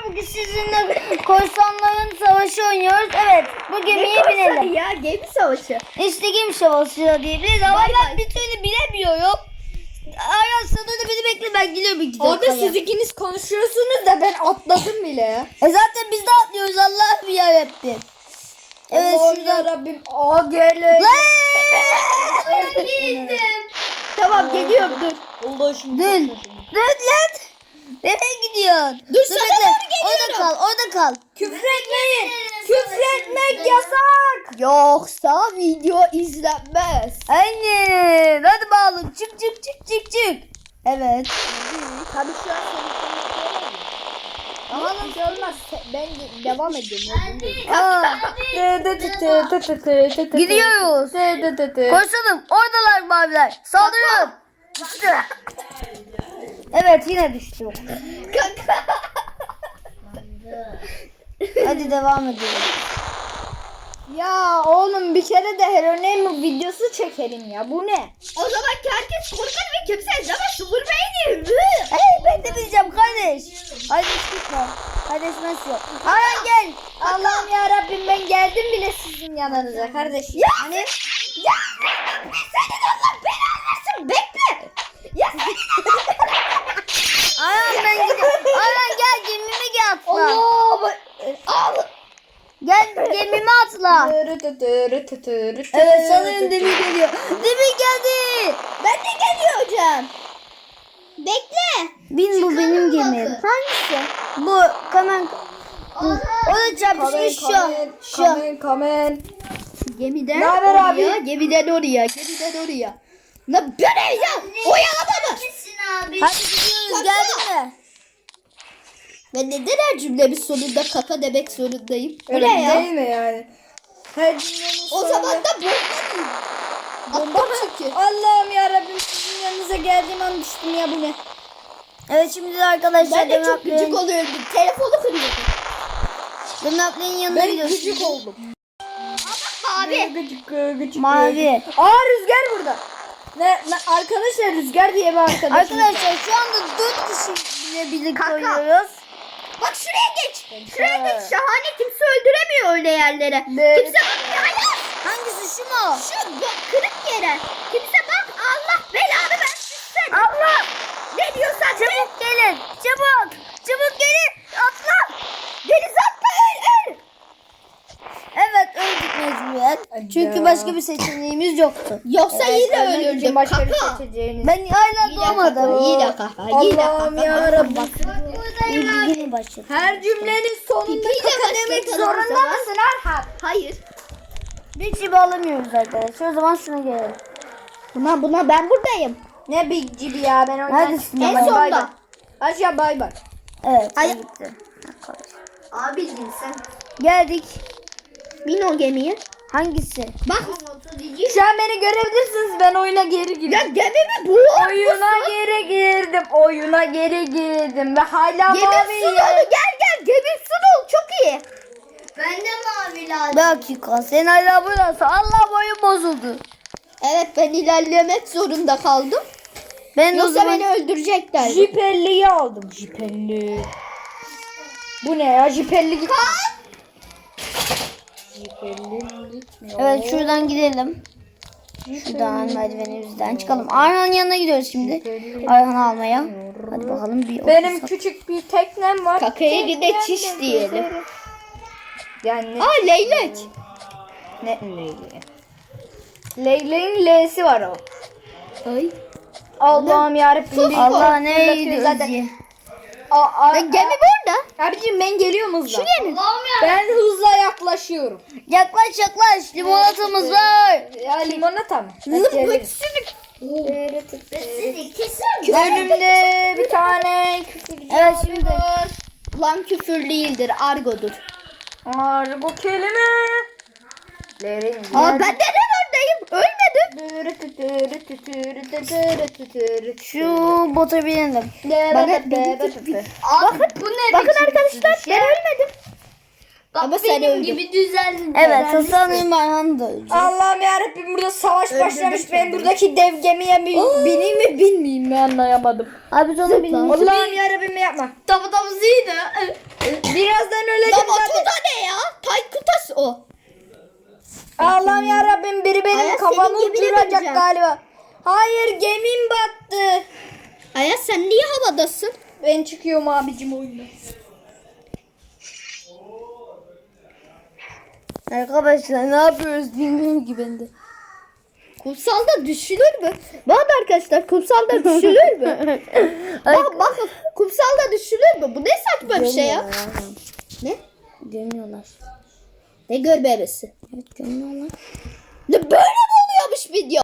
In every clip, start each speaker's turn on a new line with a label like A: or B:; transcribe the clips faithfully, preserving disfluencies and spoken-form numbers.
A: bugün sizinle korsanların savaşı oynuyoruz. Evet, bu gemiye binelim.
B: Ya gemi savaşı.
A: İşte gemi savaşı diyebiliriz ama
B: Bay
A: ben
B: bay.
A: bir türlü bilemiyorum. Aras sana da beni bekle, ben gidiyorum iki
B: Orada
A: dakikaya.
B: siz ikiniz konuşuyorsunuz da ben atladım bile ya.
A: E zaten biz de atlıyoruz, Allah'ım yarabbim. Evet,
B: Allah'ım
A: şuradan.
B: yarabbim. Aa gele. Tamam geliyorum dur. Allah şimdi.
A: Dur. Dur lan. Nereye gidiyorsun?
B: Dur, sana
A: bekle.
B: doğru
A: Orada
B: geliyorum.
A: kal, orada kal.
B: Küfretmeyin. Küfretmek yasak. Yoksa video izlenmez.
A: Aynen. Hadi bakalım. Çık çık çık çık çık. Evet.
B: Tabii şu an ama bir şey olmaz. Ben de- devam ediyorum.
A: Aa, gidiyoruz. Koşalım. Oradalar maviler. Saldırın. Düştü. Evet, yine düştü. Hadi devam edelim.
B: Ya oğlum bir kere de Heronem videosu çekelim ya. Bu ne? O zaman herkes korkar ve kimse izlemez. Sıfır beyni.
A: Hey, ben de bileceğim kardeş. Kardeş gitme. Kardeşmez yok. Aran gel.
B: Allah'ım ya Rabbim ben geldim bile sizin yanınıza kardeş. Ya hani ya senin Allah belanı versin bekle. Ya
A: Aran ben gidiyorum. Aran gel, gemime gel atla.
B: Allah al.
A: Gel gemime atla. Evet, sanırım Demir geliyor. Demir geldi.
B: Ben de geliyor hocam. Bekle.
A: Bin, bu benim gemim.
B: Hangisi?
A: Bu kamen. O da çarpışmış şu. Şu.
B: Kamen kamen.
A: Gemiden
B: Ne haber abi?
A: oraya,
B: Gemiden oraya, gemiden oraya. Ne böyle ya? Oyalama mı?
A: Hadi gidiyoruz, geldin mi?
B: Ben neden her cümlemin sonunda kaka demek zorundayım?
C: Öyle
B: Öyle ya.
C: değil mi yani? Her cümlenin
B: O
C: sonunda-
B: zaman da bomba mı?
C: Bomba mı?
B: çünkü.
C: Allah'ım yarabbim sizin yanınıza geldiğim an düştüm ya bu ne?
A: Evet, şimdi de arkadaşlar
B: Ben de çok
A: Demir
B: gıcık oluyorum. Telefonu kırıyordum.
A: Demir yanına
B: Ben
A: gidiyoruz.
B: gıcık oldum.
C: Abi. Gıcık gıcık.
A: Mavi.
C: Aa rüzgar burada. Ne, ne arkadaşlar rüzgar diye bir arkadaşım.
A: Arkadaşlar şu anda dört kişiyle birlikte oynuyoruz.
B: Bak şuraya geç. Şuraya geç. Şahane kimse öldüremiyor öyle yerlere.
C: Ne?
B: Kimse bakmıyor. Hayır.
A: Hangisi, şu mu?
B: Şu bu- kırık yere. Kimse bak. Allah belanı versin sen. Allah. Ne diyorsan de.
A: Çabuk gelin. Çabuk. Çabuk gelin. Atla.
B: Denize atla öl öl.
A: Evet, öldük mecburen. Çünkü
C: Ya.
A: başka bir seçeneğimiz yoktu.
B: Yoksa yine
C: Ölmek için
B: ölürdüm.
C: başka bir
B: Kaka.
C: seçeceğiniz.
A: Ben hala
B: Yine
A: doğmadım.
B: kaka. Yine kaka. Yine
C: Allah'ım
B: kaka.
C: yarabbim.
A: Yeni başladı.
C: Her cümlenin sonunda
B: Pipiyle
C: kaka demek
B: başlatalım o
C: zorunda
B: zaman.
C: mısın Erhan?
B: Hayır.
A: Bir şey alamıyoruz arkadaşlar. O zaman şuna gelelim.
B: Buna buna ben buradayım.
C: Ne big gibi ya ben oradan
A: Neredesin
C: çıktım.
A: ama?
C: Hadi bay
B: sonda.
C: bay. Aşağı bay bay.
A: Evet.
B: Ay-
A: ben gittim.
B: Abi sen.
A: Geldik.
B: Bin o gemiye.
A: Hangisi?
B: Bak.
C: Şu an beni görebilirsiniz ben oyuna geri girdim.
B: Ya gemimi boğar
C: Oyuna geri girdim. Oyuna geri girdim ve hala
B: Gemim
C: mavi
B: su dolu.
C: yer.
B: Gel gel. Gemim su dolu. Çok iyi.
A: Ben de mavi lazım. Bir dakika. Sen hala buradasın. Allah, boyun bozuldu.
B: Evet ben ilerlemek zorunda kaldım.
A: Ben o
B: Yoksa
A: zaman...
B: beni öldürecekler.
C: Jipelli'yi aldım. Jipelli. Bu ne ya? Jipelli gitti. Jipelli gitmiyor.
A: Evet, şuradan gidelim. Şuradan merdivenimizden çıkalım. Ayhan'ın yanına gidiyoruz şimdi. Ayhan'ı almaya. Hadi bakalım bir
C: Benim
A: otuz-
C: küçük bir teknem var.
B: Kakaya gide
C: Teknemle
B: çiş diyelim.
C: gezerim. Yani
B: Aa leylek.
C: ne leyleği? Leyleğin L'si var o.
B: Ay.
C: Allah'ım yarabbim. bir
A: Allah,
C: korku
A: ne
C: fırlatıyor zaten.
A: iyi.
C: Aa, aa,
B: Gemi burada.
C: Abicim ben geliyorum hızla.
B: Şuraya mı?
C: Ben hızla yaklaşıyorum.
A: Yaklaş yaklaş. Limonatamız var.
C: Ya limonata mı? Önümde bir tane küfür
A: Evet, şimdi.
B: Lan küfür değildir. Argodur.
C: var bu kelime. Lerin.
B: Aa ben neden oradayım? Ölmedim.
A: Şu bota binelim.
B: Bakın bu ne? Bakın arkadaşlar ben ölmedim. Ama sen öldün.
A: gibi düzeldin. Evet, sanırım Ayhan da öldü.
C: Allah'ım yarabbim burada savaş başlamış. Ben buradaki dev gemiye mi bineyim mi binmeyeyim mi anlayamadım.
A: Abi sonra binelim.
C: Allah'ım yarabbim yapma.
A: Tabi tabi ziydi.
C: Yağmur
B: gemine
C: duracak
B: bineceğim.
C: galiba. Hayır, gemim battı.
B: Ayaz sen niye havadasın?
C: Ben çıkıyorum abicim oyundan.
A: Arkadaşlar ne yapıyoruz bilmiyorum ki ben de.
B: Kumsalda düşülür mü? Bak arkadaşlar kumsalda düşülür mü? bak bakın kumsalda düşülür mü? Bu ne saçma bir şey ya? Ne?
A: Gömüyorlar.
B: Ne görmemesi?
A: Evet gömüyorlar.
B: Ne böyle mi oluyormuş video?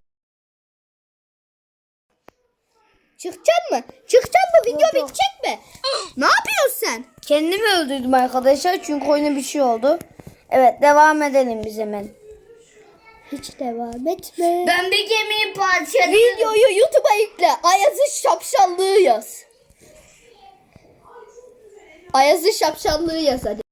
B: Çıkacaksın mı? Çıkacaksın mı? Video
A: Yok, yok.
B: bitecek mi? Ne yapıyorsun sen?
A: Kendimi öldürdüm arkadaşlar çünkü oyuna bir şey oldu. Evet devam edelim biz hemen.
B: Hiç devam etme.
A: Ben bir gemiyi parçaladım.
B: Videoyu YouTube'a yükle. Ayaz'ın şapşallığı yaz. Ayaz'ın şapşallığı yaz hadi.